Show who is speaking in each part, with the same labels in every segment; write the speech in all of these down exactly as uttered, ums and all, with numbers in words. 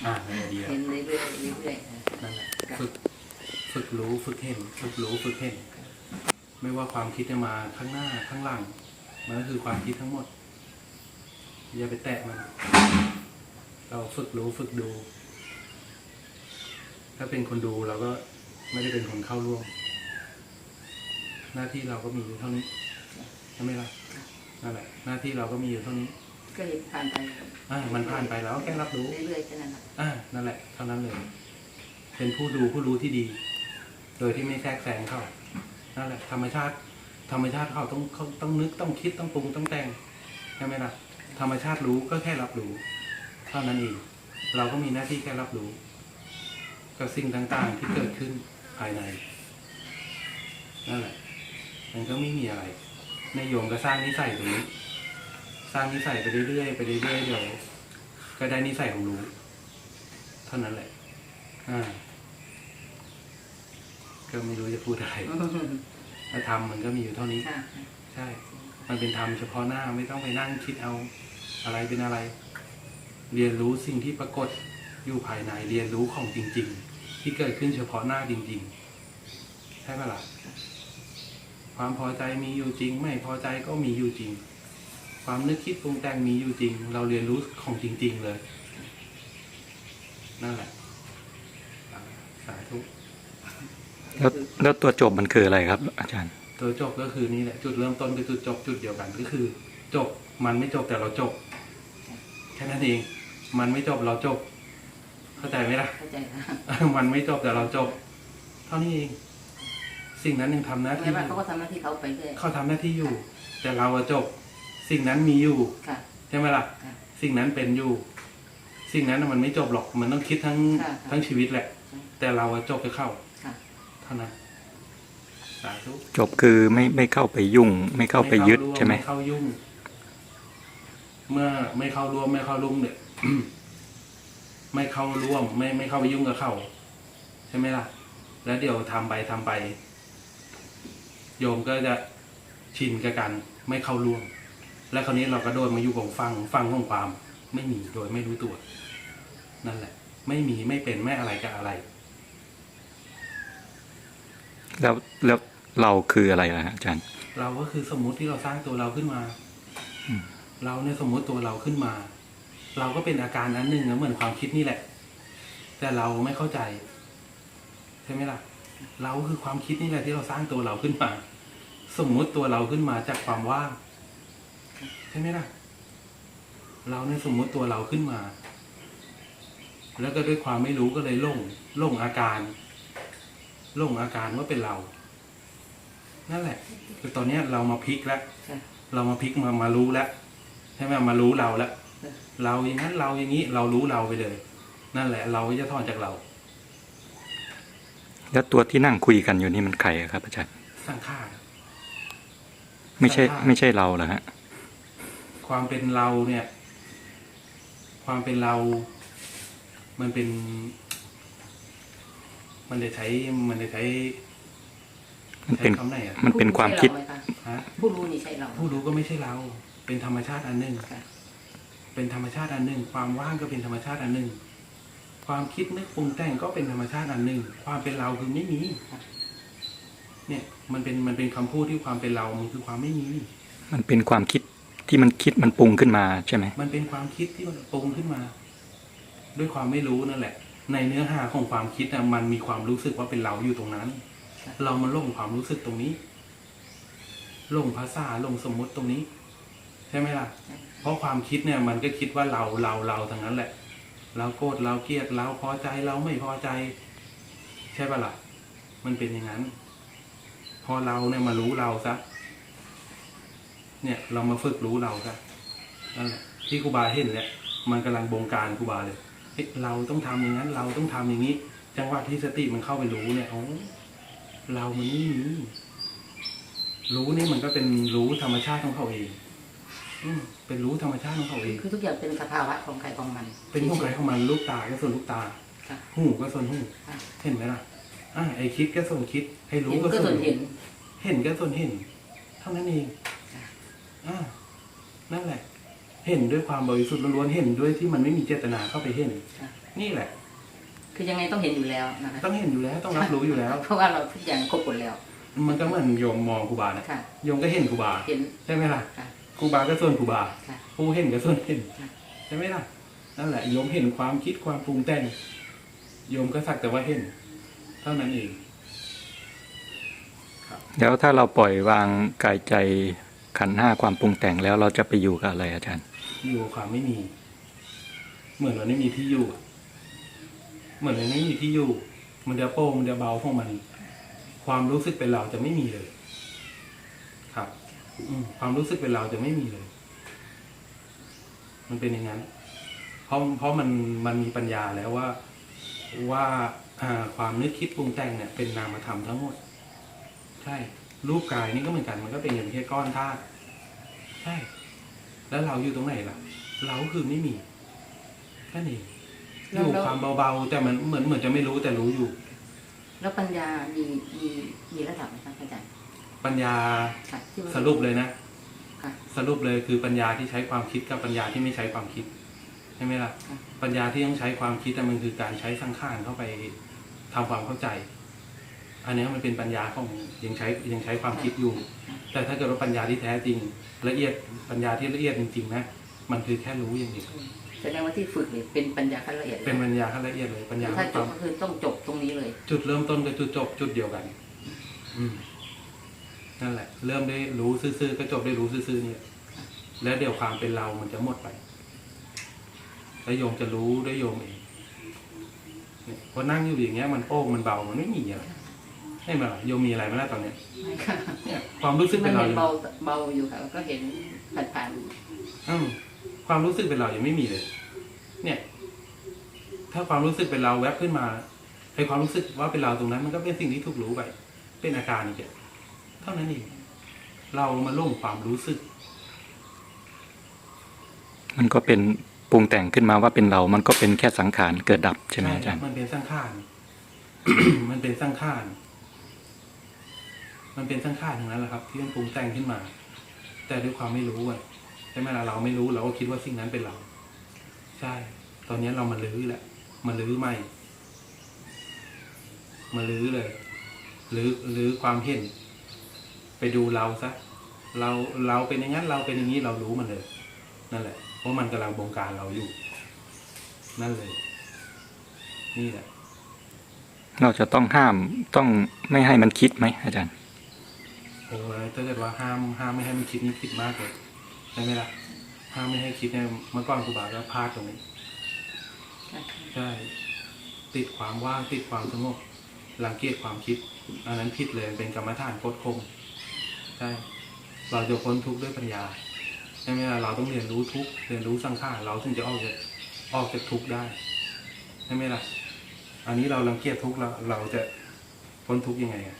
Speaker 1: อ่านั่นแหละดีแล้ว
Speaker 2: เห็นเรื่อยๆเรื่อย
Speaker 1: นั่นแหละฝึกฝึกรู้ฝึกเห็นฝึกรู้ฝึกเห็นไม่ว่าความคิดจะมาข้างหน้าข้างหลังมันก็คือความคิดทั้งหมดอย่าไปแตะมันเราฝึกรู้ฝึกดู ถ้าเป็นคนดูเราก็ไม่ได้เป็นคนเข้าร่วมหน้าที่เราก็มีอยู่เท่านี้ใช่ไหมล่ะนั่นแหละหน้าที่เราก็มีอยู่เท่านี้
Speaker 2: ๆก็เห็นผ่านไป
Speaker 1: อ่ามันผ่านไปแล้วแค่รับรู้
Speaker 2: เรื่อยๆแค่นั้นแหละ
Speaker 1: อ่านั่นแหละเท่านั้นเลย เป็นผู้ดูผู้รู้ที่ดี โดยที่ไม่แทรกแซงเขานั่นแหละ ธรรมชาติ ธรรมชาติเขาต้องเขาต้องนึกต้องคิดต้องปรุงต้องแต่งใช่ไหมล่ะธรรมชาติรู้ก็แค่รับรู้เท่านั้นเองเราก็มีหน้าที่แค่รับรู้กับสิ่งต่างๆที่เกิดขึ้นภายในนั่นแหละมันก็ไม่มีอะไรในโยมก็สร้างนิสัยตรงนี้ สร้างนิสัยไปเรื่อยๆไปเรื่อยๆเดี๋ยวก็ได้นิสัยของรู้เท่านั้นแหละอ่าก็ไม่รู้จะพูดอะไรถ้าทำมันก็มีอยู่เท่านี้ใช่ มันเป็นธรรมเฉพาะหน้าไม่ต้องไปนั่งคิดเอาอะไรเป็นอะไร เรียนรู้สิ่งที่ปรากฏอยู่ภายในเรียนรู้ของจริงๆที่เกิดขึ้นเฉพาะหน้าจริงๆใช่ไหมล่ะความพอใจมีอยู่จริงไม่พอใจก็มีอยู่จริงความนึกคิดปรุงแต่งมีอยู่จริงเราเรียนรู้ของจริงๆเลยนั่นแหละสาธุ
Speaker 3: แล้วแล้วตัวจบมันคืออะไรครับ อาจารย์
Speaker 1: ตัวจบก็คือนี่แหละจุดเริ่มต้นคือจุดจบจุดเดียวกันก็คือ จบมันไม่จบแต่เราจบแค่นั้นเองมันไม่จบเราจบเข้าใจไหมล่ะ
Speaker 2: เข้าใจนะ
Speaker 1: มันไม่จบแต่เราจบเท่านี้เองสิ่งนั้นยังทำหน้าที่
Speaker 2: แล้วเขาก็ทำหน้าที่เขาไปเรื่อย
Speaker 1: เขาทำหน้าที่อยู่ แต่เราจบสิ่งนั้นมีอยู่ใช่ไหมล่ะสิ่งนั้นเป็นอยู่ สิ่งนั้นมันไม่จบหรอกมันต้องคิดทั้งทั้งชีวิตแหละ แต่เราจบจะเข้าเท่านั้นสาธุ
Speaker 3: จบคือไม่ไม่เข้าไปยุ่ง ไม่เข้าไปยึดใช่ไหม
Speaker 1: ไม่เข้ายุ่ง เมื่อไม่เข้าร่วมไม่เข้ารุ่งเนี่ย ไม่เข้าร่วม ไม่ไม่เข้าไปยุ่งกับเขาใช่ไหมล่ะ แล้วเดี๋ยวทำไปทำไป โยมก็จะชินกับกันไม่เข้าร่วม และคราวนี้เราก็โดนมาอยู่ของฟังฟังของความไม่มีโดยไม่รู้ตัว นั่นแหละ ไม่มีไม่เป็นไม่อะไรกับอะไร
Speaker 3: แล้วแล้วเราคืออะไรล่ะอาจารย์
Speaker 1: เราก็คือสมมุติที่เราสร้างตัวเราขึ้นมาเราเนี่ยสมมุติตัวเราขึ้นมา เราก็เป็นอาการนั้นหนึ่งนะเหมือนความคิดนี่แหละ แต่เราไม่เข้าใจใช่ไหมล่ะ เราคือความคิดนี่แหละที่เราสร้างตัวเราขึ้นมา สมมุติตัวเราขึ้นมาจากความว่างใช่ไหมล่ะ เราเนี่ยสมมุติตัวเราขึ้นมา แล้วก็ด้วยความไม่รู้ก็เลยหลงหลงอาการหลงอาการว่าเป็นเรานั่นแหละคือตอนนี้เรามาพลิกแล้วเรามาพลิกมามารู้แล้วใช่ไหมมารู้เราแล้วเราอย่างนั้นเราอย่างนี้เรารู้เราไปเลยนั่นแหละเราจะถอนจากเรา
Speaker 3: แล้วตัวที่นั่งคุยกันอยู่นี่มันใครครับอาจารย์
Speaker 1: สังขาร
Speaker 3: ไม่ใช่ไม่ใช่เราเหรอฮะ
Speaker 1: ความเป็นเราเนี่ย ความเป็นเรา มันเป็น มันจะใช้มันจะใช้
Speaker 3: มันเป็นมันเป็นความคิด
Speaker 2: ผู้รู้นี่ใช่เรา
Speaker 1: ผู้รู้ก็ไม่ใช่เรา เป็นธรรมชาติอันหนึ่งเป็นธรรมชาติอันหนึ่งความว่างก็เป็นธรรมชาติอันหนึ่งความคิดนึกปรุงแต่งก็เป็นธรรมชาติอันหนึ่งความเป็นเราคือไม่มีเนี่ยมันเป็นมันเป็นคำพูดที่ความเป็นเรามันคือความไม่มี
Speaker 3: มันเป็นความคิดที่มันคิดมันปรุงขึ้นมาใช่ไหม
Speaker 1: มันเป็นความคิดที่มันปรุงขึ้นมา ด้วยความไม่รู้นั่นแหละในเนื้อหาของความคิดนะมันมีความรู้สึกว่าเป็นเราอยู่ตรงนั้นเรามาลงความรู้สึกตรงนี้ลงภาษาลงสมมุติตรงนี้ใช่ไหมล่ะเพราะความคิดเนี่ยมันก็คิดว่าเราเราเราทั้งนั้นแหละเราโกรธเราเกลียดเราพอใจเราไม่พอใจใช่ป่ะล่ะมันเป็นอย่างนั้นพอเราเนี่ยมารู้เราซะเนี่ยเรามาฝึกรู้เราซะนั่นแหละที่ครูบาเห็นเนี่ยมันกำลังบงการครูบาเลยเราต้องทำอย่างนั้นเราต้องทำอย่างนี้จังหวะที่สติมันเข้าไปรู้เนี่ยโอ้เรามันนี่รู้นี่มันก็เป็นรู้ธรรมชาติของเขาเองอืมเป็นรู้ธรรมชาติของเขาเอง
Speaker 2: คือทุกอย่างเป็นสภาวะของใครของมัน
Speaker 1: เป็นของใครของมันลูกตาก็ส่วนลูกตาหูก็ส่วนหูเห็นไหมล่ะอ่าไอคิดก็ส่วนคิดให้รู้ก็ส่วนเห็นเห็นก็ส่วนเห็นเท่านั้นเองอ่านั่นแหละเห็นด้วยความบริสุทธิ์ล้วนๆเห็นด้วยที่มันไม่มีเจตนาเข้าไปเห็น
Speaker 2: ค่ะ
Speaker 1: นี่แหละ
Speaker 2: คือยังไงต้องเห็นอยู่แล้วนะคะ
Speaker 1: ต้องเห็นอยู่แล้วต้องรับรู้อยู่แล้ว
Speaker 2: เพราะว่าเราทุกอย่างครบหมดแล้ว
Speaker 1: มันก็เหมือนโยมมองครูบานะ
Speaker 2: ค่ะ
Speaker 1: โยมก็เห็นครูบา
Speaker 2: เห็น
Speaker 1: ใช่ไหมล่ะ
Speaker 2: ค่ะ
Speaker 1: ครูบาก็ส่วนครูบา
Speaker 2: ค่ะ
Speaker 1: ผู้เห็นก็ส่วนเห็น
Speaker 2: ค่ะ
Speaker 1: ใช่ไหมล่ะนั่นแหละโยมเห็นความคิดความปรุงแต่งโยมก็สักแต่ว่าเห็น เท่านั้นเอง
Speaker 3: แล้วถ้าเราปล่อยวางกายใจขันธ์ห้าความปรุงแต่งแล้วเราจะไปอยู่กับอะไรอาจารย์
Speaker 1: อยู่กับความไม่มี เหมือนมันไม่มีที่อยู่ เหมือนมันไม่มีที่อยู่ มันจะโป้งมันจะเบาของมัน ความรู้สึกเป็นเราจะไม่มีเลย ครับ อืมความรู้สึกเป็นเราจะไม่มีเลย มันเป็นอย่างนั้น เพราะเพราะมันมันมีปัญญาแล้วว่าว่าอ่าความนึกคิดปรุงแต่งเนี่ยเป็นนามธรรมทั้งหมด ใช่ รูปกายนี่ก็เหมือนกัน มันก็เป็นอย่างแค่ก้อนธาตุ ใช่ แล้วเราอยู่ตรงไหนล่ะ เราคือไม่มีแค่นี้อยู่ความเบาๆแต่มันเหมือนเหมือนจะไม่รู้แต่รู้อยู่
Speaker 2: แล้วปัญญามีมีมีระดับไหมคะอาจารย์
Speaker 1: ปัญญา
Speaker 2: ค่ะที่ว่า
Speaker 1: สรุปเลยนะ
Speaker 2: ค่ะ
Speaker 1: สรุปเลยคือปัญญาที่ใช้ความคิดกับปัญญาที่ไม่ใช้ความคิดใช่ไหมล่ะ
Speaker 2: ค่ะ
Speaker 1: ปัญญาที่ต้องใช้ความคิดแต่มันคือการใช้สังขารเข้าไปทำความเข้าใจ อันนี้มันเป็นปัญญาของยังใช้ยังใช้ความคิดอยู่ แต่ถ้าเกิดว่าปัญญาที่แท้จริง ละเอียดปัญญาที่ละเอียดจริงๆนะมันคือแค่รู้อย่างเดียว
Speaker 2: แสดงว่าที่ฝึกเนี่ยเป็นปัญญาขั้นละเอียดลย
Speaker 1: เป็นปัญญาขั้นละเอียดเลยปัญญา
Speaker 2: ถ้าจ
Speaker 1: ควา
Speaker 2: บ
Speaker 1: ม
Speaker 2: ก็คือต้องจบตรงนี้เลย
Speaker 1: จุดเริ่มต้นกับจุดจบจุดเดียวกัน อืมนั่นแหละ เริ่มได้รู้ซื่อๆก็จบได้รู้ซื่อๆเนี่ย แล้วเดี๋ยวความเป็นเรามันจะหมดไป แล้วโยมจะรู้ด้วยโยมเองเนี่ยพอนั่งอยู่อย่างเงี้ยมันโป้งมันเบามันไม่มีอะไรใช่ไหมล่ะโยมมีอะไรไหมล่ะตอนเนี้ย
Speaker 2: ไม่ค่ะ
Speaker 1: เนี่ย ความรู้สึก
Speaker 2: มั
Speaker 1: เป็น นเรา
Speaker 2: เห็น
Speaker 1: ยัง
Speaker 2: เบาเบาอยู่ค่ะก็เห็นผ่าน
Speaker 1: อืมความรู้สึกเป็นเรายังไม่มีเลย เนี่ย ถ้าความรู้สึกเป็นเราแวบขึ้นมาไอ้ความรู้สึกว่าเป็นเราตรงนั้น มันก็เป็นสิ่งที่ถูกรู้ไป เป็นอาการอีกอย่างเท่านั้นเองเรามาลงความรู้สึก
Speaker 3: มันก็เป็นปรุงแต่งขึ้นมาว่าเป็นเรา มันก็เป็นแค่สังขารเกิดดับใช่ไหมอาจารย์
Speaker 1: มันเป็นสังขาร มันเป็นสังขาร มันเป็นสังขารทั้งนั้นแหละครับ ที่มันปรุงแต่งขึ้นมา แต่ด้วยความไม่รู้อ่ะใช่ไหมล่ะเราไม่รู้เราก็คิดว่าสิ่งนั้นเป็นเรา ใช่ ตอนนี้เรามาลื้อแหละมาลื้อใหม่ มาลื้อเลยลื้อลื้อความเห็น ไปดูเราซะเราเราเป็นอย่างนั้นเราเป็นอย่างนี้เรารู้มันเลย นั่นแหละเพราะมันกำลังบงการเราอยู่ นั่นเลย นี่แหละ
Speaker 3: เราจะต้องห้ามต้องไม่ให้มันคิดไหมอาจารย์
Speaker 1: โอ้ยถ้าเกิดว่าห้ามห้ามไม่ให้มันคิดนี่ผิดมากเลยใช่ไหมล่ะห้ามไม่ให้คิดเนี่ยเมื่อก่อนครูบาก็พลาดตรงนี้
Speaker 2: ๆค่ะ
Speaker 1: ใช่ ติดความว่างติดความสงบรังเกียจความคิด อันนั้นผิดเลยเป็นกรรมฐานโคตรคมใช่เราจะพ้นทุกข์ด้วยปัญญาใช่ไหมล่ะเราต้องเรียนรู้ทุกข์เรียนรู้สังขารเราถึงจะออกจากออกจากทุกข์ได้ใช่ไหมล่ะ อันนี้เรารังเกียจทุกข์เราเราจะพ้นทุกข์ยังไงอะ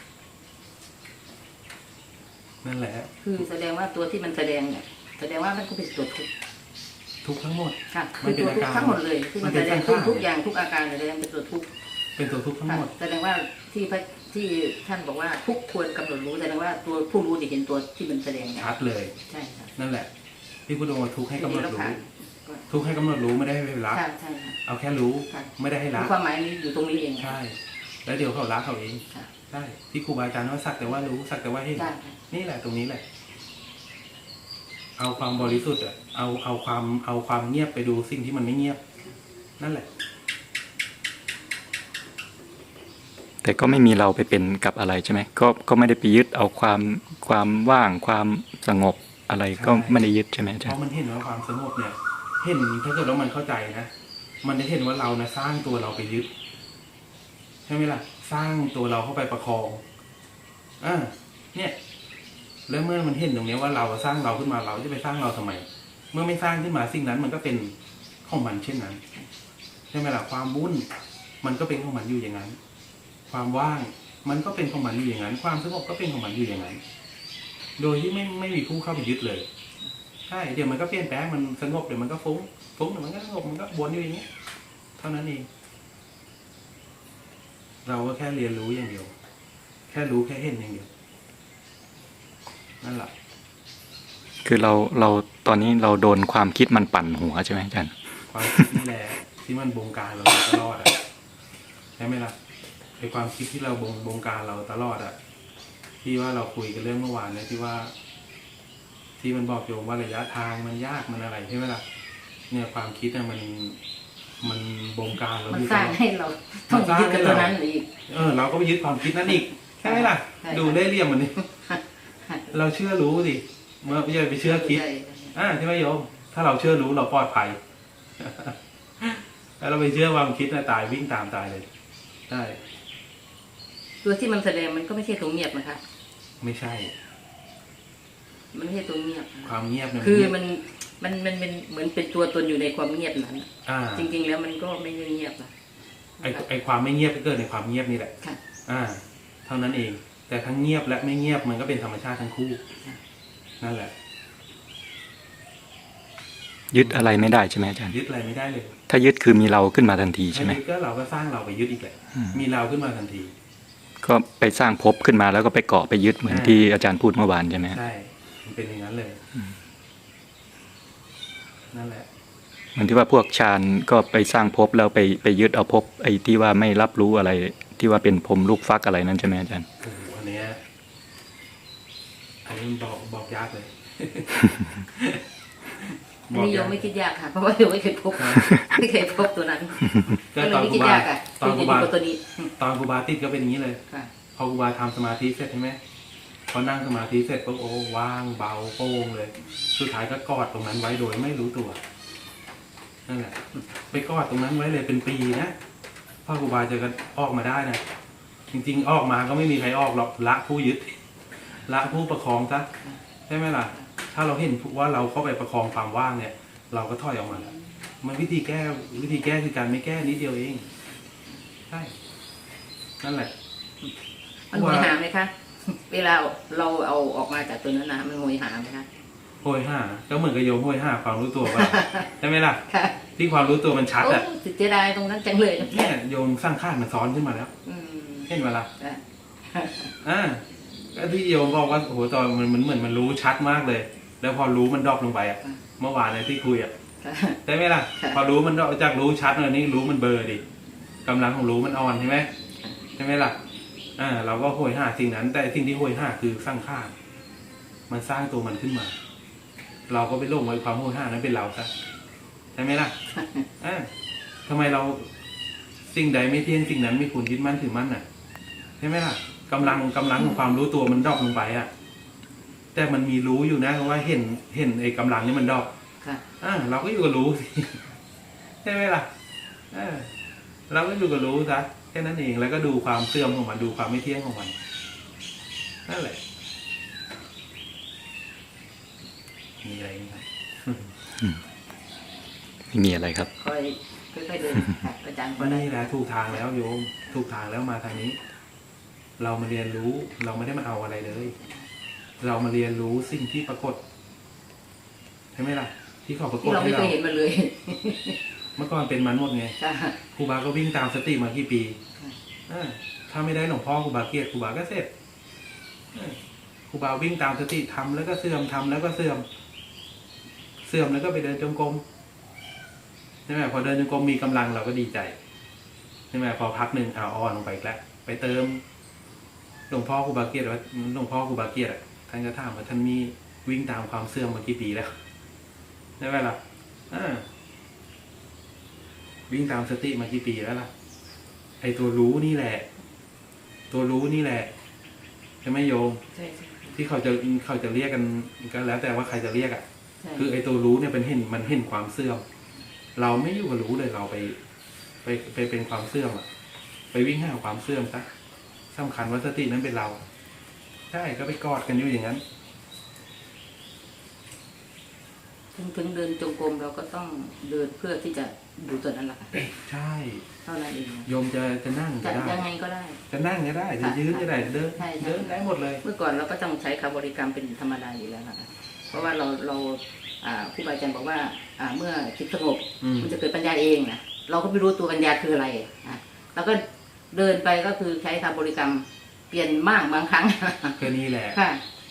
Speaker 1: นั่นแหละ
Speaker 2: คือแสดงว่าตัวที่มันแสดงเนี่ยแสดงว่ามันก็เป็นตัวทุกข์
Speaker 1: ทุกข์ทั้งหมด
Speaker 2: ค่ะ
Speaker 1: มั
Speaker 2: คื
Speaker 1: น
Speaker 2: อ
Speaker 1: เป็น
Speaker 2: ตัวทุก
Speaker 1: อาการ
Speaker 2: ข์ทั้งหมดเลยที่มันแสดง
Speaker 1: มันเป็นสังขาร
Speaker 2: ทุกอย่างทุกอาการแสดงเป็นตัวทุกข์
Speaker 1: เป็นตัวทุกข์ทั้ง
Speaker 2: ค่ะ
Speaker 1: หมด
Speaker 2: แสดงว่าที่พระที่ท่านบอกว่าทุกควรกำหนดรู้แสดงว่าตัวผู้รู้จะเห็นตัวที่มันแสดงเนี่ย
Speaker 1: ชัดเลย
Speaker 2: ใช่ค่ะ
Speaker 1: นั่นแหละที่พุทธองค์ว่าทุกข์ให้กำหนด
Speaker 2: ทีนี้
Speaker 1: รู้
Speaker 2: เราผ่าน
Speaker 1: ทุกข์ให้กำหนดรู้ไม่ได้ให้ละ
Speaker 2: ใช่ใช่ค่ะ
Speaker 1: เอาแค่รู้
Speaker 2: ค่ะ
Speaker 1: ไม่ได้ให้ละ
Speaker 2: ความหมายนี้อยู่ตรงนี้เอง
Speaker 1: ใช่ แล้วเดี๋ยวเขาละเขาเอง
Speaker 2: ค่ะ
Speaker 1: ใช่ที่ครูบาอาจารย์ว่าสักแต่ว่ารู้สักแต่ว่าเห็น
Speaker 2: ใช่ค่ะ
Speaker 1: นี่แหละตรงนี้แหละ เอาความบริสุทธิ์อะเอาเอาความเอาความเงียบไปดูสิ่งที่มันไม่เงียบ นั่นแหละ
Speaker 3: แต่ก็ไม่มีเราไปเป็นกับอะไรใช่ไหมก็ก็ไม่ได้ไปยึดเอาความความว่างความสงบอะไรก็ไม่ได้ยึดใช่ไหมอา
Speaker 1: เพ
Speaker 3: จารย์
Speaker 1: ราะมันเห็นว่าความสงบเนี่ย เห็นถ้าเกิดว่ามันเข้าใจนะ มันจะเห็นว่าเรานะสร้างตัวเราไปยึดใช่ไหมล่ะ สร้างตัวเราเข้าไปประคองอ่าเนี่ย แล้วเมื่อมันเห็นตรงนี้ว่าเราสร้างเราขึ้นมาเราจะไปสร้างเราทำไม เมื่อไม่สร้างขึ้นมาสิ่งนั้นมันก็เป็นของมันเช่นนั้นใช่ไหมล่ะความวุ่นมันก็เป็นของมันอยู่อย่างนั้น ความว่างมันก็เป็นของมันอยู่อย่างนั้น ความสงบก็เป็นของมันอยู่อย่างนั้น โดยที่ไม่ไม่มีผู้เข้าไปยึดเลยใช่เดี๋ยวมันก็เปลี่ยนแปลงมันสงบเดี๋ยวมันก็ฟุ้งฟุ้งเดี๋ยวมันก็สงบมันก็วนอยู่อย่างนี้เท่านั้นเอง เราก็แค่เรียนรู้อย่างเดียว แค่รู้แค่เห็นอย่างเดียวนั่นแหละ
Speaker 3: คือเราเราตอนนี้เราโดนความคิดมันปั่นหัวใช่ไหมอาจารย์
Speaker 1: ความคิดนี่แหละที่มันบงการเราตลอดอ่ะใช่ไหมล่ะไอความคิดที่เราบงบงการเราตลอดอ่ะที่ว่าเราคุยกันเรื่องเมื่อวานเนี่ยที่ว่า ที่มันบอกโยมว่าระยะทางมันยากมันอะไรใช่ไหมล่ะเนี่ยความคิดเนี่ยมันมันบงการเรา
Speaker 2: มัน
Speaker 1: อยู่
Speaker 2: สร้างให้เราต้องยึดกับตัวนั้นอีก
Speaker 1: เออเราก็ไปยึดความคิดนั้นอีกใช่ไหมล่ะ
Speaker 2: ใช่
Speaker 1: ดูเล่ห์เหลี่ยมมันนี่ เราเชื่อรู้สิเมื่อไม่ใช่ไปเชื่อคิด
Speaker 2: ใช่
Speaker 1: อ่าใช่ไหมโยม ถ้าเราเชื่อรู้เราปลอดภัย แล้วเราไปเชื่อความคิดนะตายวิ่งตามตายเลยใช่
Speaker 2: ตัวที่มันแสดงมันก็ไม่ใช่ตัวเงียบนะคะ
Speaker 1: ไม่ใช่
Speaker 2: มันไม่ใช่ตัวเงียบ
Speaker 1: ความเงียบเนี่ย
Speaker 2: คือ
Speaker 1: เงียบ
Speaker 2: มันมันมันเป็นเหมือนเป็นตัวตนอยู่ในความเงียบนั้น
Speaker 1: อ่า
Speaker 2: จริง ๆ แล้วมันก็ไม่ได้เงียบนะ
Speaker 1: ไอไอความไม่เงียบก็เกิดในความเงียบนี่แหละ
Speaker 2: ค่ะ
Speaker 1: อ่า เท่านั้นเอง แต่ทั้งเงียบและไม่เงียบมันก็เป็นธรรมชาติทั้งคู่
Speaker 2: ค่ะ
Speaker 1: นั่นแหละ
Speaker 3: ยึดอะไรไม่ได้ใช่ไหมอาจารย์
Speaker 1: ยึดอะไรไม่ได้เลย
Speaker 3: ถ้ายึดคือมีเราขึ้นมาทันทีใช่ไหม
Speaker 1: ถ้ายึดก็เราก็สร้างเราไปยึดอีกแหละ
Speaker 3: อืม
Speaker 1: มีเราขึ้นมาทันที
Speaker 3: ก็ไปสร้างภพขึ้นมาแล้วก็ไปเกาะไปยึดเหมือน
Speaker 1: อ่า
Speaker 3: ที่อาจารย์พูดเมื่อวานใช่ไหม
Speaker 1: ใช่ มันเป็นอย่างนั้นเลย นั่นแหละ
Speaker 3: เหมือนที่ว่าพวกฌานก็ไปสร้างภพแล้วไปไปยึดเอาภพไอ้ที่ว่าไม่รับรู้อะไร ที่ว่าเป็นพรหมลูกฟักอะไรนั่นใช่ไหมอาจารย์
Speaker 1: โอ้โหอันเนี้ยอันนี้มันบอกบอกยากเลย
Speaker 2: อันนี้โยมไม่คิดยากค่ะ เพราะว่าโยมไม่เคยพบ ไม่เคยพบตัวนั้น
Speaker 1: ก็
Speaker 2: ก็เลย
Speaker 1: ตอน
Speaker 2: ไม่
Speaker 1: ครู
Speaker 2: คิด
Speaker 1: บาย
Speaker 2: ากอ่ะ
Speaker 1: ตอนค
Speaker 2: คื
Speaker 1: รู
Speaker 2: อจะ
Speaker 1: บา
Speaker 2: อยู่กับตัวนี้
Speaker 1: ตอนครูบาติดก็เป็นอย่างนี้เลย
Speaker 2: ค่ะ
Speaker 1: พอครูบาทำสมาธิเสร็จใช่ไหมพอนั่งสมาธิเสร็จปุ๊บโอ้ว่างเบาโปร่งเลย สุดท้ายก็กอดตรงนั้นไว้โดยไม่รู้ตัวนั่นแหละไปกอดตรงนั้นไว้เลยเป็นปีนะพ่อครูบาจะกันออกมาได้นะจริงๆออกมาก็ไม่มีใครออกหรอกละผู้ยึดละผู้ประคองซะใช่ไหมล่ะ ถ้าเราเห็นว่าเราเข้าไปประคองความว่างเนี่ย เราก็ถอยออกมาแล้วมันวิธีแก้วิธีแก้คือการไม่แก้นิดเดียวเองใช่นั่นแหละ
Speaker 2: มันโหยหาไหมคะ เวลาเราเอาออกมาจากตัวนั้นนะมันโหยหาไหมคะ
Speaker 1: โหยห้าก็เหมือนกับโยมโหยห้าความรู้ตัวว่า ใช่ไหมล่ะ
Speaker 2: ค่ะ
Speaker 1: ที่ความรู้ตัวมันชัด
Speaker 2: โอ้
Speaker 1: อ่ะ
Speaker 2: เสียดายตรงนั้นจังเลยนะ
Speaker 1: เนี่ยโยมสร้างข้านมันซ้อนขึ้นมาแล้ว
Speaker 2: อืม
Speaker 1: เห็นไหมล่ะ
Speaker 2: ค่ะ
Speaker 1: อ่าก็ที่โยมบอกว่าโอ้โหตอนมันมันเหมือนมันรู้ชัดมากเลย แล้วพอรู้มันดรอปลงไปอ่ะเมื่อวานเนี่ยที่คุยอ่ะ
Speaker 2: ค่ะ
Speaker 1: ใช่ไหมล่ะ
Speaker 2: ค่ะ
Speaker 1: พอรู้มันดรอปจากรู้ชัดเลยนี่รู้มันเบลอร์ดิกำลังของรู้มันอ่อนใช่ไหมใช่ไหมล่ะอ่าเราก็โหยห้าสิ่งนั้น แต่สิ่งที่โหยห้าคือสร้างข้านมันสร้างตัวมันขึ้นมา เราก็ไปลงไว้ความโหยห้านั้นเป็นเราซะใช่ไหมล่ะ อ่าทำไมเราสิ่งใดไม่เที่ยงสิ่งนั้นไม่ควรยึดมั่นถือมั่นน่ะใช่ไหมล่ะกำลังกำลังของความรู้ตัวมันดรอปลงไปอ่ะ แต่มันมีรู้อยู่นะเพราะว่าเห็นเห็นไอ้กำลังนี่มันดรอป
Speaker 2: ค่ะ
Speaker 1: อ่าเราก็อยู่กับรู้สิ ใช่ไหมล่ะเออเราก็อยู่กับรู้ซะแค่นั้นเองแล้วก็ดูความเสื่อมของมันดูความไม่เที่ยงของมันนั่นแหละมีอะไรไหมครับ
Speaker 3: ไม่มีอะไรครับ
Speaker 2: ค่อยค่อยๆเดินค่ะอาจารย์ก็
Speaker 1: ก็
Speaker 2: ได้
Speaker 1: นี่แหละถูกทางแล้วโยม ถูกทางแล้วมาทางนี้ เรามาเรียนรู้ เราไม่ได้มาเอาอะไรเลย เรามาเรียนรู้สิ่งที่ปรากฏใช่ไหมล่ะ ที่เขาปราก
Speaker 2: ที่
Speaker 1: ฏ
Speaker 2: เรา
Speaker 1: ให้
Speaker 2: ไม่เค
Speaker 1: เรา
Speaker 2: ยเห็นมาเลย
Speaker 1: เมื่อก่อนเป็นมันหมดไง
Speaker 2: ค่ะ
Speaker 1: ครูบาก็วิ่งตามสติมากี่ปี
Speaker 2: ค่ะ
Speaker 1: อ่าถ้าไม่ได้หลวงพ่อครูบาเกียรติครูบาก็เสร็จอ่าครูบาวิ่งตามสติทำแล้วก็เสื่อมทำแล้วก็เสื่อม เสื่อมแล้วก็ไปเดินจงกรมใช่ไหมพอเดินจงกรมมีกำลังเราก็ดีใจใช่ไหมพอพักหนึ่งเอาอ่อนลงไปอีกแล้วไปเติมหลวงพ่อครูบาเกียรติว่าหลวงพ่อครูบาเกียรติอะท่านก็ถามว่าท่านมีวิ่งตามความเสื่อมมากี่ปีแล้วใช่ไหมล่ะอ่าวิ่งตามสติมากี่ปีแล้วล่ะ ไอตัวรู้นี่แหละ ตัวรู้นี่แหละใช่ไหมโยม
Speaker 2: ใช่ใช่
Speaker 1: ที่เขาจะเขาจะเรียกกันก็แล้วแต่ว่าใครจะเรียกอ่ะ
Speaker 2: ใช่
Speaker 1: คือไอตัวรู้เนี่ยเป็นเห็นมันเห็นความเสื่อม เราไม่อยู่กับรู้เลยเราไป ไปไปเป็นความเสื่อมอ่ะ ไปวิ่งหาความเสื่อมซะสำคัญว่าสตินั้นเป็นเรา ใช่ก็ไปกอดกันอยู่อย่างนั้น
Speaker 2: ถึงถึงเดินจงกรมเราก็ต้องเดินเพื่อที่จะดูตัวนั้นแหละค่ะ
Speaker 1: ใช่
Speaker 2: เท่านั้นเอง
Speaker 1: โยมจะจะนั่ง
Speaker 2: จะ
Speaker 1: ก็ได้
Speaker 2: ยังไงก็ได้
Speaker 1: จะนั่งก็ได้จะยืนก็ได้เดิน
Speaker 2: ใช่ใช่
Speaker 1: เดินได้หมดเลย
Speaker 2: เมื่อก่อนเราก็ต้องใช้คำบริกรรมเป็นธรรมดาอยู่แล้วนะคะเพราะว่าเราเราอ่าครูบาอาจารย์บอกว่า อ่าเมื่อจิตสงบ
Speaker 1: อืม
Speaker 2: มันจะเกิดปัญญาเองนะเราก็ไม่รู้ตัวปัญญาคืออะไรอ่ะเราก็เดินไปก็คือใช้คำบริกรรมเปลี่ยนมากบางครั้ง
Speaker 1: ก็นี่แหละ
Speaker 2: ค่ะ ใ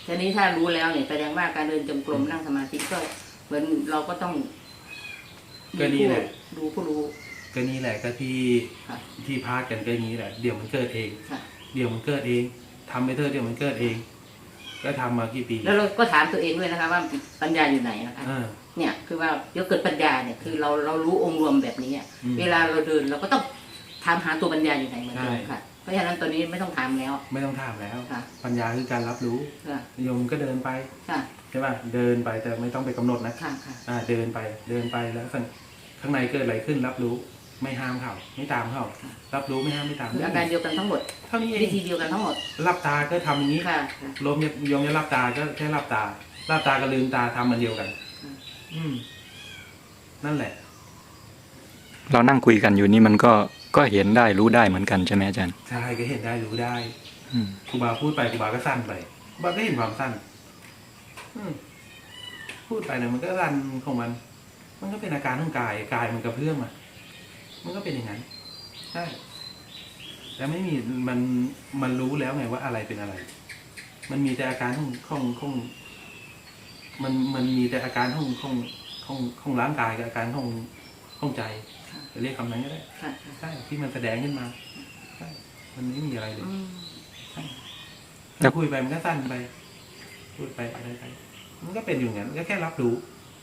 Speaker 2: ทีนี้ถ้ารู้แล้วเนี่ยแสดงว่าการเดินจงกรมนั่งสมาธิก็เหมือนเราก็ต้อง
Speaker 1: ก็นี่แหละ
Speaker 2: ดูผู้รู้
Speaker 1: ก็นี่แหละก็ที่
Speaker 2: ค่ะ
Speaker 1: ที่พาดกันก็อย่างนี้แหละเดี๋ยวมันเกิดเอง
Speaker 2: ค่ะ
Speaker 1: เดี๋ยวมันเกิดเองทำไปเถอะเดี๋ยวมันเกิดเอง ก็ทำมากี่ปี
Speaker 2: แล้วเราก็ถามตัวเองด้วยนะคะว่าปัญญาอยู่ไหนนะคะ
Speaker 1: อ่า
Speaker 2: เนี่ยคือว่าเดี๋ยวเกิดปัญญาเนี่ยคือเราเรารู้องค์รวมแบบนี้อะ
Speaker 1: อืม
Speaker 2: เวลาเราเดินเราก็ต้องถามหาตัวปัญญาอยู่ไหนเหมือนเดิม
Speaker 1: ใช่
Speaker 2: ค่ะ เพราะฉะนั้นตัวนี้ไม่ต้องถามแล้ว
Speaker 1: ไม่ต้องถามแล้ว
Speaker 2: ค่ะ
Speaker 1: ปัญญาคือการรับรู้
Speaker 2: ค่ะ
Speaker 1: โยมก็เดินไป
Speaker 2: ค่ะ
Speaker 1: ใช่ป่ะเดินไปแต่ไม่ต้องไปกำหนดนะ
Speaker 2: ค่ะค่ะ
Speaker 1: อ่าเดินไปเดินไปแล้วสังข้างในเกิดอะไรขึ้นรับรู้ ไม่ห้ามเขาไม่ตามเขารับรู้ไม่ห้ามไม่ตาม
Speaker 2: คืออาการเดียวกันทั้งหมด
Speaker 1: เท่านี้เอ
Speaker 2: วิ
Speaker 1: ง
Speaker 2: ธีเดียวกันทั้งหมด
Speaker 1: หลับตาก็ทำอย่างนี้
Speaker 2: ค่ะค่ะ
Speaker 1: ลมโยมจะหลับตาก็แค่หลับตาหลับตากับลืมตาทำมันเดียวกัน
Speaker 2: อืม
Speaker 1: อืมนั่นแหละ
Speaker 3: เรานั่งคุยกันอยู่นี่มันก็ก็เห็นได้รู้ได้เหมือนกันใช่ไหมอาจารย์
Speaker 1: ใช่ก็เห็นได้รู้ได้
Speaker 3: อืม
Speaker 1: ครูบาพูดไปครูบาก็สั้นไปครูบาก็เห็นความสั้น อืมพูดไปเนี่ยมันก็สั้นของมัน มันก็เป็นอาการของกายกายมันกระเพื่อมอ่ะมันก็เป็นอย่างนั้นใช่แต่ไม่มีมันมันรู้แล้วไงว่าอะไรเป็นอะไร มันมีแต่อาการของของของมันมันมีแต่อาการของของของของร่างกายกับอาการของของใจจะเรียกคำนั้นก็ได้
Speaker 2: ค่ะค่ะ
Speaker 1: ใช่ที่มันแสดงขึ้นมาใช่มันไม่มีอะไรเลย
Speaker 2: อืม
Speaker 1: ถ้าคุยไปมันก็สั้นไป พูดไปอะไรไป มันก็เป็นอยู่อย่างนั้นก็แค่รับรู้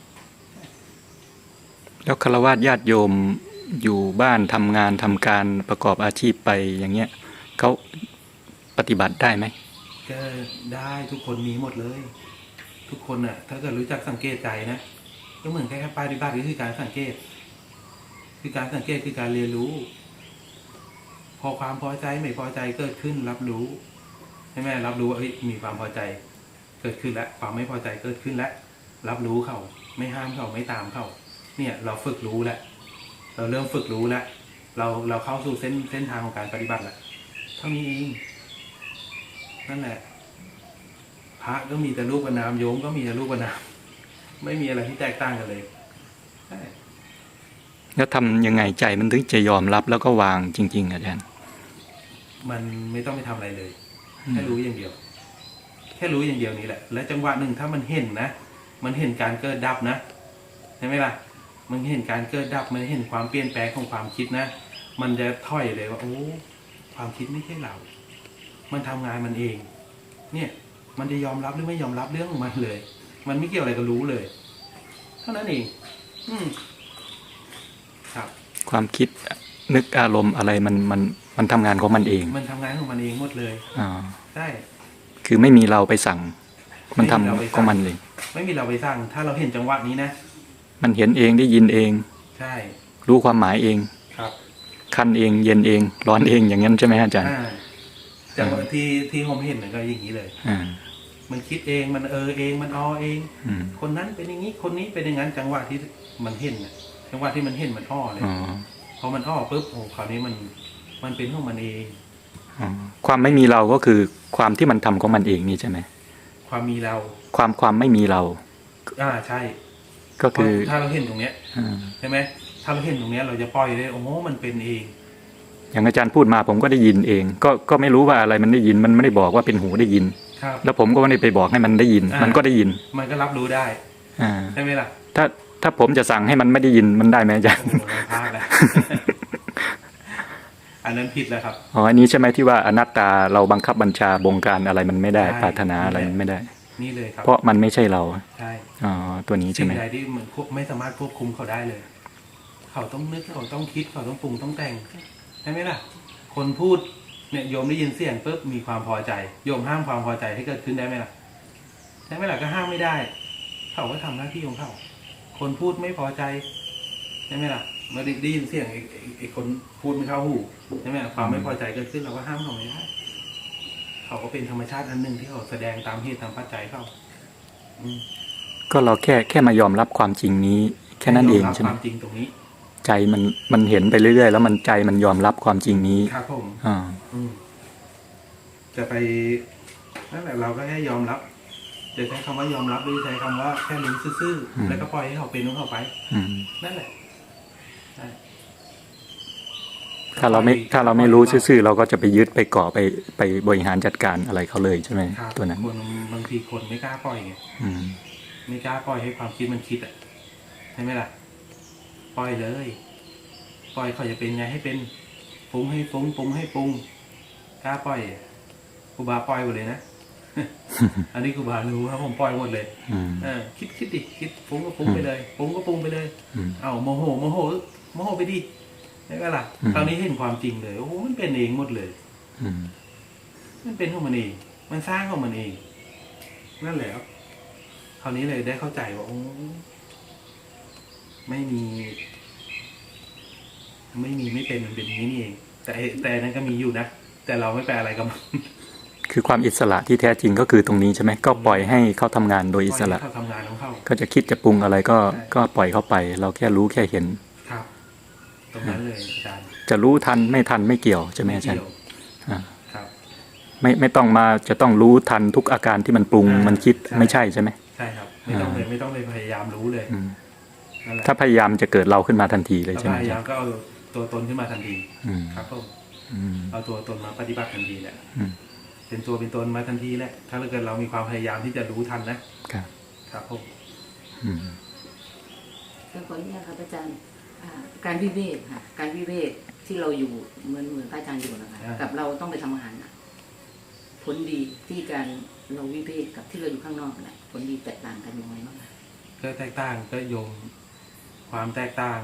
Speaker 3: แล้วฆราวาสญาติโยมอยู่บ้านทำงานทำการประกอบอาชีพไปอย่างเงี้ยเขาปฏิบัติได้ไหม
Speaker 1: ก็ได้ทุกคนมีหมดเลย ทุกคนน่ะ ถ้าเกิดรู้จักสังเกตใจนะก็เหมือนแค่ปฏิบัติก็คือการสังเกต คือการสังเกตคือการเรียนรู้ พอความพอใจไม่พอใจเกิดขึ้น รับรู้ใช่ไหมรับรู้ว่าเอ้ยมีความพอใจ เกิดขึ้นแล้วความไม่พอใจเกิดขึ้นแล้วรับรู้เขาไม่ห้ามเขาไม่ตามเขาเนี่ย เราฝึกรู้แล้วเราเริ่มฝึกรู้แล้วเราเราเข้าสู่เส้นเส้นทางของการปฏิบัติแล้วเท่านี้เองนั่นแหละ พระก็มีแต่รูปกับนามโยมก็มีแต่รูปกับนามไม่มีอะไรที่แตกต่างกันเลยใช่
Speaker 3: แล้วทำยังไงใจมันถึงจะยอมรับแล้วก็วางจริง ๆ อาจารย์
Speaker 1: มันไม่ต้องไปทำอะไรเลย แค่รู้อย่างเดียว แค่รู้อย่างเดียวนี้แหละ และจังหวะหนึ่งถ้ามันเห็นนะมันเห็นการเกิดดับนะใช่ไหมล่ะ มันเห็นการเกิดดับมันเห็นความเปลี่ยนแปลงของความคิดนะมันจะถอยเลยว่าโอ้ความคิดไม่ใช่เรา มันทำงานมันเอง เนี่ย มันจะยอมรับหรือไม่ยอมรับเรื่องของมันเลย มันไม่เกี่ยวอะไรกับรู้เลย เท่านั้นเอง อืมครับ
Speaker 3: ความคิดนึกอารมณ์อะไรมันมันมันทำงานของมันเอง
Speaker 1: มันทำงานของมันเองหมดเลย
Speaker 3: อ่า
Speaker 1: ใช่
Speaker 3: คือไม่มีเราไปสั่ง มันทำ
Speaker 1: ไม่มีเราไปสั่ง
Speaker 3: ของมันเลย
Speaker 1: ไม่มีเราไปสั่งถ้าเราเห็นจังหวะนี้นะ
Speaker 3: มันเห็นเองได้ยินเอง
Speaker 1: ใช่
Speaker 3: รู้ความหมายเอง
Speaker 1: ครับ
Speaker 3: คันเองเย็นเอง ร้อนเองอย่างนั้นใช่ไหมอาจารย์
Speaker 1: อ่าจังหวะที่ที่ผมเห็นมันก็อย่างนี้เลย
Speaker 3: อ่า
Speaker 1: มันคิดเองมันเออเองมันออเอง
Speaker 3: อืม
Speaker 1: คนนั้นเป็นอย่างนี้คนนี้เป็นอย่างนั้น จังหวะที่มันเห็นน่ะจังหวะที่มันเห็นมันอ้อเลย
Speaker 3: อ๋อ
Speaker 1: พอมันอ้อปุ๊บโอ้คราวนี้มันมันเป็นของมันเอง
Speaker 3: อ๋อความไม่มีเราก็คือความที่มันทำของมันเองนี่ใช่ไหม
Speaker 1: ความมีเรา
Speaker 3: ความความไม่มีเรา
Speaker 1: อ่าใช่
Speaker 3: ก็คือ
Speaker 1: เพราะถ้าเราเห็นตรงเนี้ย
Speaker 3: อ่า ใช่
Speaker 1: ใช่ไหมถ้าเราเห็นตรงเนี้ยเราจะปล่อยเลยโอ้โหมันเป็นเอง
Speaker 3: อย่างอาจารย์พูดมาผมก็ได้ยินเอง ก็ก็ไม่รู้ว่าอะไรมันได้ยิน มันไม่ได้บอกว่าเป็นหูได้ยิน
Speaker 1: ครับ
Speaker 3: แล้วผมก็ไม่ได้ไปบอกให้มันได้ยิน
Speaker 1: อ่ามั
Speaker 3: มันก็ได้ยิน
Speaker 1: มันก็รับรู้ได้
Speaker 3: อ่า
Speaker 1: ใช่ไหมล่ะ
Speaker 3: ถ้าถ้าผมจะสั่งให้มันไม่ได้ยินมันได้ไหมอาจารย์
Speaker 1: โอ้โหพลาดแล้ว อันนั้นผิดแล้วครับ
Speaker 3: อ๋ออันนี้ใช่ไหมที่ว่าอนัตตาเราบังคับบัญชาบงการอะไรมันไม่ได้
Speaker 1: ใช่
Speaker 3: ปรารถนาอะไรมันไม่ได้
Speaker 1: นี่เลยครับ
Speaker 3: เพราะมันไม่ใช่เรา
Speaker 1: ใช่
Speaker 3: อ๋อตัวนี้ใช่
Speaker 1: สิ่
Speaker 3: ไห
Speaker 1: ง
Speaker 3: ม
Speaker 1: ใดที่มันควบไม่สามารถควบคุมเขาได้เลย เขาต้องนึกเขาต้องคิดเขาต้องปรุงต้องแต่งใช่ไหมล่ะ คนพูดเนี่ยโยมได้ยินเสียงปุ๊บมีความพอใจโยมห้ามความพอใจให้เกิดขึ้นได้ไหมล่ะใช่ไหมล่ะก็ห้ามไม่ได้ เขาก็ทำหน้าที่ของเขาคนพูดไม่พอใจใช่ไหมล่ะเมื่อได้ยินเสียงไอ้ไอ้ไอ้คนพูดไม่เข้าหูใช่ไหมล่ะความไม่พอใจเกิดขึ้นเราก็ห้ามเขาไม่ได้เขาก็เป็นธรรมชาติอันหนึ่งที่เขาแสดงตามเหตุตามปัจจัยเขาอืม
Speaker 3: ก็เราแค่แค่มายอมรับความจริงนี้ แค่นั้นเองใช่ไหม
Speaker 1: ความจริงตรงนี้
Speaker 3: ใจมันมันเห็นไปเรื่อยๆแล้วมันใจมันยอมรับความจริงนี้
Speaker 1: ครับผม
Speaker 3: อ่า
Speaker 1: อืมจะไปนั่นแหละเราก็แค่ยอมรับจะใช้คำว่ายอมรับหรือใช้คำว่าแค่รู้ซื่อๆแล้วก็ปล่อยให้เขาเป็นของเขาไป
Speaker 3: อืม
Speaker 1: นั่นแหละใช่
Speaker 3: ถ้าเราไม่ถ้าเราไม่รู้ซื่อๆเราก็จะไปยึดไปเกาะไปไปบริหารจัดการอะไรเขาเลยใช่ไหม
Speaker 1: ครับ
Speaker 3: ตัวนั้น
Speaker 1: คนบางทีคนไม่กล้าปล่อยไง
Speaker 3: อืม
Speaker 1: ไม่กล้าปล่อยให้ความคิดมันคิดอ่ะใช่ไหมล่ะปล่อยเลย ปล่อยเขาจะเป็นไงให้เป็นปรุงให้ปรุงปรุงให้ปรุงกล้าปล่อยครูบาปล่อยหมดเลยนะ อันนี้ครูบารู้ครับผมปล่อยหมดเลย
Speaker 3: อืม
Speaker 1: เออคิดคิดดิคิดปรุงก็ปรุงไปเลยปรุงก็ปรุงไปเลย
Speaker 3: อืม
Speaker 1: เอาโมโหโมโหโมโหไปดิใช่ไหมล่ะ
Speaker 3: อืม
Speaker 1: คราวนี้เห็นความจริงเลยโอ้โหมันเป็นเองหมดเลย
Speaker 3: อืม
Speaker 1: มันเป็นของมันเอง มันสร้างของมันเอง นั่นแหละครับคราวนี้เลยได้เข้าใจว่าโอ้ไม่มี ไม่มีไม่เป็นมันเป็นอย่างนี้นี่เอง แต่แต่นั้นก็มีอยู่นะ แต่เราไม่ไปอะไรกับมัน
Speaker 3: คือความอิสระที่แท้จริงก็คือตรงนี้ใช่ไหมก็ปล่อยให้เขาทำงานโดยอิสระ
Speaker 1: เขาทำงานของเขา
Speaker 3: ก็จะคิดจะปรุงอะไรก็
Speaker 1: ใช่
Speaker 3: ก็ปล่อยเขาไป เราแค่รู้แค่เห็น
Speaker 1: ครับ ตรงนั้นเลยอาจารย์
Speaker 3: จะรู้ทันไม่ทันไม่เกี่ยวใช่ไหมอาจารย์
Speaker 1: เกี่ยว
Speaker 3: อ่า
Speaker 1: ครับ
Speaker 3: ไม่ไม่ต้องมาจะต้องรู้ทันทุกอาการที่มันปรุง
Speaker 1: อ่ามั
Speaker 3: มันคิด
Speaker 1: ใช่
Speaker 3: ไม่ใช่ใช่ไหม
Speaker 1: ใช่ครับ ไม่ต้องเลยไม่ต้องเลยพยายามรู้เลย
Speaker 3: อืม
Speaker 1: นั่นแหละ
Speaker 3: ถ้าพยายามจะเกิดเราขึ้นมาทันทีเลย
Speaker 1: ถ้า
Speaker 3: ใช่ไหม
Speaker 1: พ
Speaker 3: อาย
Speaker 1: ายา
Speaker 3: จาม รย์
Speaker 1: ก็เอาตัวตนขึ้นมาทันที
Speaker 3: อืม
Speaker 1: ครับผม
Speaker 3: อืม
Speaker 1: เอาตัวตนมาปฏิบัติทันทีแหละ
Speaker 3: อืม
Speaker 1: เป็นตัวเป็นตนมาทันทีแหละถ้าเกิดเรามีความพยายามที่จะรู้ทันนะครับ ครับผม
Speaker 3: อืม
Speaker 2: ก็ขออนุญาตครับอาจารย์อ่าการวิเวกค่ะการวิเวกที่เราอยู่เหมือนเหมือนพระอาจารย์อยู่นะคะกับเราต้องไปทำงานน่ะผลดีที่การเราวิเวกกับที่เราอยู่ข้างนอกน่ะผลดีแตกต่างกันยังไงบ้างคะ
Speaker 1: ก็แตกต่างก็โยมความแตกต่าง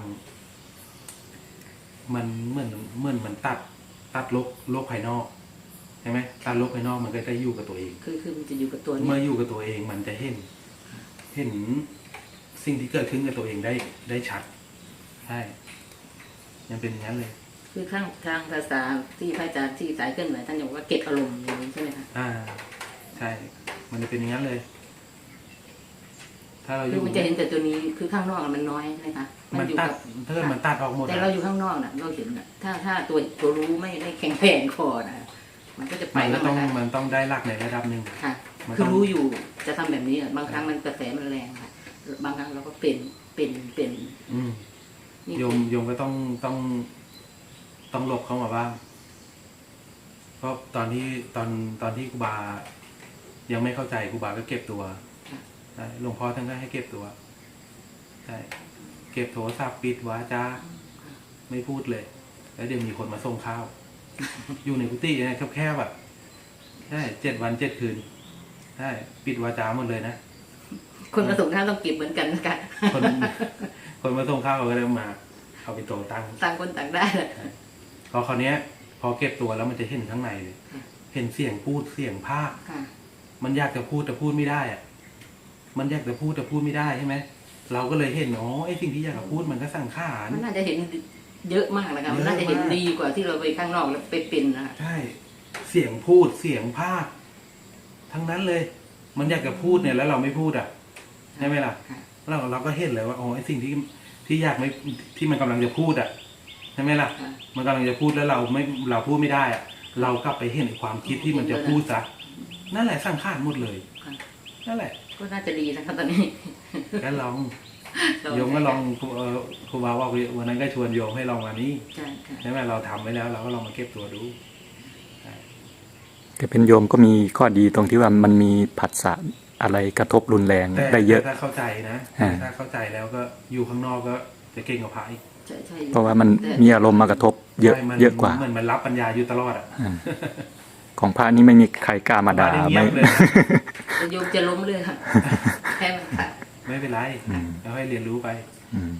Speaker 1: มันเหมือนเหมือนมันตัด ตัดโลกโลกภายนอกใช่ไหมตัดโลกภายนอกมันก็จะอยู่กับตัวเอง
Speaker 2: คือคือมันจะอยู่กับตัว
Speaker 1: เมื่
Speaker 2: นี้
Speaker 1: ออยู่กับตัวเองมันจะเห็น เห็นสิ่งที่เกิดขึ้นกับตัวเองได้ได้ชัดใช่ยังเป็นอย่างนั้นเลย
Speaker 2: คือข้างทางภาษาที่พระอาจารย์ที่สายเคลื่อนไหวท่านบอกว่าเก็บอารมณ์อย่างนี้ใช่ไหมคะ
Speaker 1: อ่า ใช่ มันจะเป็นอย่างนั้นเลย ถ้าเราอ
Speaker 2: คือยู่ มันจะเห็นแต่ตัวนี้คือข้างนอกมันน้อยใช่ไหมคะ
Speaker 1: มัน
Speaker 2: อยู่
Speaker 1: ตัด
Speaker 2: กับ
Speaker 1: ถ้าเกิดมันตัดออกหมด
Speaker 2: แต่
Speaker 1: อะ
Speaker 2: เราอยู่ข้างนอกน่ะเราเห็นน่ะถ้าถ้าตัวตัวรู้ไม่ไม่แข็งแรงพอนะมันก็จะไป
Speaker 1: มันก็
Speaker 2: แล้ว
Speaker 1: ต้อง
Speaker 2: นะคะ
Speaker 1: มันต้องได้หลักในระดับหนึ่ง
Speaker 2: ค่ะ
Speaker 1: มันต้อง
Speaker 2: คือรู้อยู่จะทำแบบนี้อ่ะบางครั้งมันกระแสมันแรงค่ะ บางครั้งเราก็เป็นเป็นเป็น
Speaker 1: อืม
Speaker 2: นี่
Speaker 1: โยมโยมก็ต้องต้องต้องหลบเข้ามาบ้างเพราะตอนที่ตอนตอนที่ครูบา ยังไม่เข้าใจครูบาก็เก็บตัวใช่หลวงพ่อท่านก็ให้เก็บตัวใช่เก็บโทรศัพท์ปิดวาจาไม่พูดเลย แล้วเดี๋ยวมีคนมาส่งข้าว อยู่ในกุฏิเนี่ยแคบๆแบบใช่เจ็ดวันเจ็ดคืนใช่ปิดวาจาหมดเลยนะ
Speaker 2: คนมาส่งข้าวต้องเก็บเหมือนกันนะคะ
Speaker 1: คน คนมาส่งข้าวเขาก็เลยมาเอาไปโตตั้ง
Speaker 2: ต่างคนต่างได้เลย
Speaker 1: พอคราวเนี้ย พอเก็บตัวแล้วมันจะเห็นข้างในเลย
Speaker 2: ค่ะ
Speaker 1: เห็นเสียงพูดเสียงภาค
Speaker 2: ค่ะ
Speaker 1: มันอยากจะพูดแต่พูดไม่ได้อะมันอยากจะพูดแต่พูดไม่ได้ใช่ไหมเราก็เลยเห็นอ๋อไอ้สิ่งที่อยากจะพูดมันก็สั่งขาร
Speaker 2: มันน่าจะเห็นเยอะมากนะคะมันน่าจะเห็นดีกว่าที่เราไปข้างนอกแล้วไปเป็นนะคะ
Speaker 1: ใช่ เสียงพูดเสียงภาค ทั้งนั้นเลย มันอยากจะพูดเนี่ยแล้วเราไม่พูดอ่ะใช่ไหมล่ะ
Speaker 2: ค่ะ
Speaker 1: เราเราก็เห็นเลยว่าอ๋อไอ้สิ่งที่ที่อยากไม่ที่มันกำลังจะพูดอ่ะใช่ไหมล่ะ
Speaker 2: ค่ะ
Speaker 1: มันกำลังจะพูดแล้วเราไม่เราพูดไม่ได้อะเรากลับไปเห็นความคิดที่มันจะพูดซะนั่นแหละสร้างข้ารหมดเลย
Speaker 2: ค่ะ
Speaker 1: นั่นแหละ
Speaker 2: ก็น่าจะดีนะคะตอนนี้
Speaker 1: ก็ลองโยมก็ลองครูเอ่อครูบาว่าวันนั้นก็ชวนโยมให้ลองมานี้
Speaker 2: ใช่ค่ะ
Speaker 1: ใช่ไหมเราทำไว้แล้วเราก็ลองมาเก็บตัวดู
Speaker 3: แต่เป็นโยมก็มีข้อดีตรงที่ว่ามันมีผัสสะอะไรกระทบรุนแรง
Speaker 1: แต่
Speaker 3: ได้เยอะ
Speaker 1: ถ้าเข้าใจนะ
Speaker 3: อ่า
Speaker 1: ถ้าเข้าใจแล้วก็อยู่ข้างนอกก็จะเก่งกว่าพระอีก
Speaker 2: ใช่ใช่
Speaker 3: เพราะว่ามัน
Speaker 2: แต่
Speaker 3: มีอารมณ์มากระทบเยอะ
Speaker 1: ใช่มัน
Speaker 3: เยอะกว่า
Speaker 1: เหมือนมันรับปัญญาอยู่ตลอดอ่ะ
Speaker 3: อ่าของพระนี่ไม่มีใครกล้ามาด่า
Speaker 1: พระนี่เงี
Speaker 3: ไม่
Speaker 1: ยบเลย
Speaker 2: แต่โยมจะล้มเลยค่ะแค่มันค่ะ
Speaker 1: ไม่เป็นไร
Speaker 3: อืม
Speaker 1: เราให้เรียนรู้ไป
Speaker 3: อืม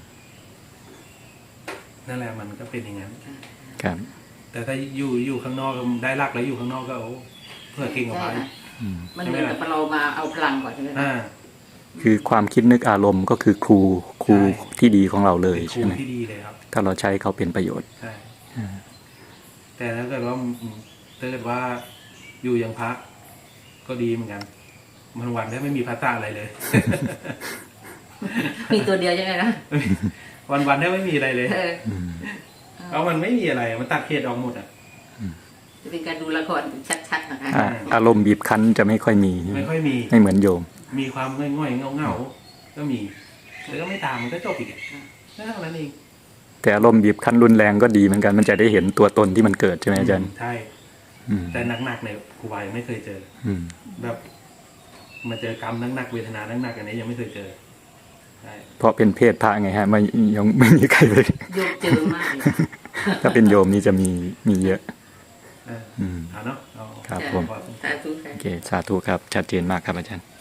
Speaker 1: นั่นแหละมันก็เป็นอย่างนั้น
Speaker 3: ครับ
Speaker 1: แต่ถ้าอยู่อยู่ข้างนอกได้รักแล้วอยู่ข้างนอกก็โอ้เพื่อเก่งกว่าพระอีก
Speaker 3: อืม
Speaker 2: มันเหมือนกับเรามาเอาพลังก่อนใช่ไหมคะ
Speaker 1: อ่า
Speaker 3: คือความคิดนึกอารมณ์ก็คือครูครู
Speaker 1: ใช่
Speaker 3: ที่ดีของเราเลย
Speaker 1: เป็นครู
Speaker 3: ใช่ไหม
Speaker 1: ที่ดีเลยครับ
Speaker 3: ถ้าเราใช้เขาเป็นประโยชน์
Speaker 1: ใช่
Speaker 3: อ่า
Speaker 1: แต่ถ้าเกิดว่าอืมถ้าเกิดว่าอยู่อย่างพระก็ดีเหมือนกันมันวันได้ไม่มีพระตาอะไรเลย
Speaker 2: มีตัวเดียวใช่ไหมนะ
Speaker 1: วันวันได้ไม่มีอะไรเลย
Speaker 2: เออ
Speaker 3: อืม
Speaker 1: เพราะมันไม่มีอะไรมันตัดเขตออกหมดอ่ะ
Speaker 2: จะเป็นการดูละครชัดๆนะคะ
Speaker 3: อ่าอารมณ์บีบคั้นจะไม่ค่อยมี
Speaker 1: ไม่ค่อยมี
Speaker 3: ไม่เหมือนโยม
Speaker 1: มีความง่อยๆเงาๆก็มีแต่ก็ไม่ตามมันก็จบอีกอะนั่นเท่านั้นเอง
Speaker 3: แต่อารมณ์บีบคั้นรุนแรงก็ดีเหมือนกันมันจะได้เห็นตัวตนที่มันเกิดใช่ไหมอาจารย์
Speaker 1: ใช่
Speaker 3: อืม
Speaker 1: แต่หนักๆเนี่ยครูบายังไม่เคยเจอ
Speaker 3: อืม
Speaker 1: แบบมาเจอกรรมหนักๆเวทนาหนักๆอันนี้ยังไม่เคยเจอใช่
Speaker 3: เพราะเป็นเพศพระไงฮะไม่ยังไม่มีใครเลย
Speaker 2: โยมเจอมากเลย
Speaker 3: ถ้าเป็นโยมนี่จะมีมีเยอะ
Speaker 1: เออ
Speaker 3: อืม
Speaker 1: เอาเนาะเอา
Speaker 3: ครับ
Speaker 2: จ้ะ
Speaker 3: ผม
Speaker 2: สาธุค่ะ
Speaker 3: โอเคสาธุครับชัดเจนมากครับอาจารย์